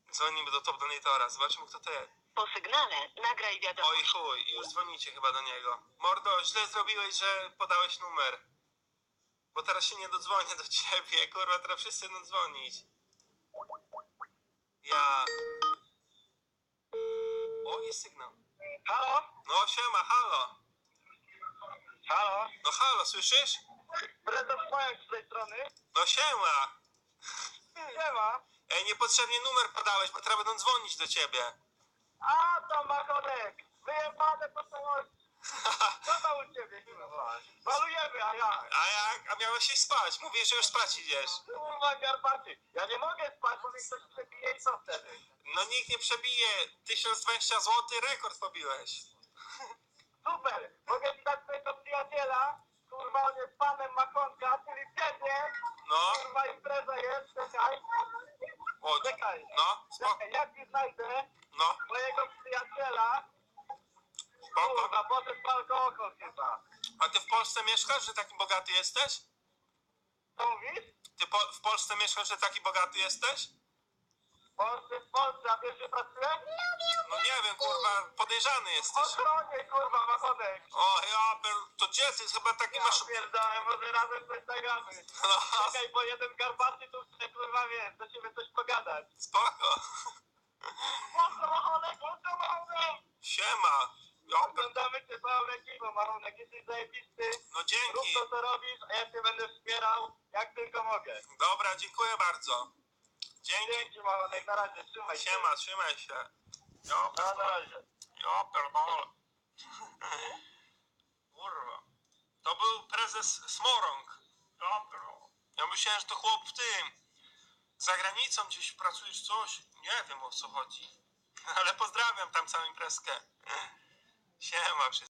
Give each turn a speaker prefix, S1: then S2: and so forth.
S1: Dzwonimy do Top Donatora, zobaczymy kto to jest.
S2: Po sygnale nagraj wiadomość.
S1: Oj chuj, już dzwonicie chyba do niego. Mordo, źle zrobiłeś, że podałeś numer. Bo teraz się nie dodzwonię do ciebie, kurwa, teraz wszyscy będą dzwonić. Ja... O, jest sygnał.
S3: Halo?
S1: No siema, halo.
S3: Halo?
S1: No halo, słyszysz?
S3: Prezes Pająk z tej strony.
S1: No siema.
S3: Nie ma.
S1: Ej, niepotrzebnie numer podałeś, bo teraz będą dzwonić do ciebie.
S3: A to Machonek. Wyjebane po całości. Co tam u ciebie? Balujemy, a ja.
S1: A jak? A miałeś iść spać. Mówisz, że już spać idziesz.
S3: Kurwa garbaty. Ja nie mogę spać, bo mnie ktoś przebije i co wtedy?
S1: No nikt nie przebije. 1020 zł, rekord pobiłeś.
S3: Super. Mogę ci dać swojego przyjaciela. Kurwa, on jest panem Machonka, czyli ciebie.
S1: No,
S3: Kurwa, impreza jest. Czekaj.
S1: o,
S3: Czekaj.
S1: no, spoko,
S3: Czekaj, jak ci znajdę
S1: no,
S3: mojego przyjaciela?
S1: spoko.
S3: Kurwa, poszedł po alkohol chyba.
S1: A ty w Polsce mieszkasz, że taki bogaty jesteś?
S3: Co mówisz?
S1: Ty w Polsce mieszkasz, że taki bogaty jesteś?
S3: W Polsce, a wiesz, że pracuję?
S1: No nie wiem, kurwa, podejrzany
S3: W
S1: jesteś.
S3: ochronie, kurwa, Machonek.
S1: O, ja, to gdzie ty chyba taki
S3: Ja
S1: masz...
S3: pierdolę, może razem coś nagramy.
S1: No,
S3: Czekaj, bo jeden garbaty tu chce, kurwa, wiesz, do ciebie coś pogadać.
S1: spoko.
S3: Mocno, Machonek, mocno, Machonek!
S1: Siema. Ja,
S3: Oglądamy cię całą ekipą, Machonek, jesteś zajebisty.
S1: no
S3: Rób
S1: dzięki.
S3: to, co robisz, a ja cię będę wspierał, jak tylko mogę.
S1: Dobra, dziękuję bardzo. Dzięki.
S3: Dzięki, Machonek, na razie, trzymaj się.
S1: Siema, trzymaj się. Ja,
S3: No, na razie.
S1: ja pierdolę. Kurwa. To był prezes Smorąg. Ja pierdolę. Ja myślałem, że to chłop w tym. Za granicą gdzieś pracujesz coś. Nie wiem o co chodzi. Ale pozdrawiam tam całą imprezkę. Siema wszystkim.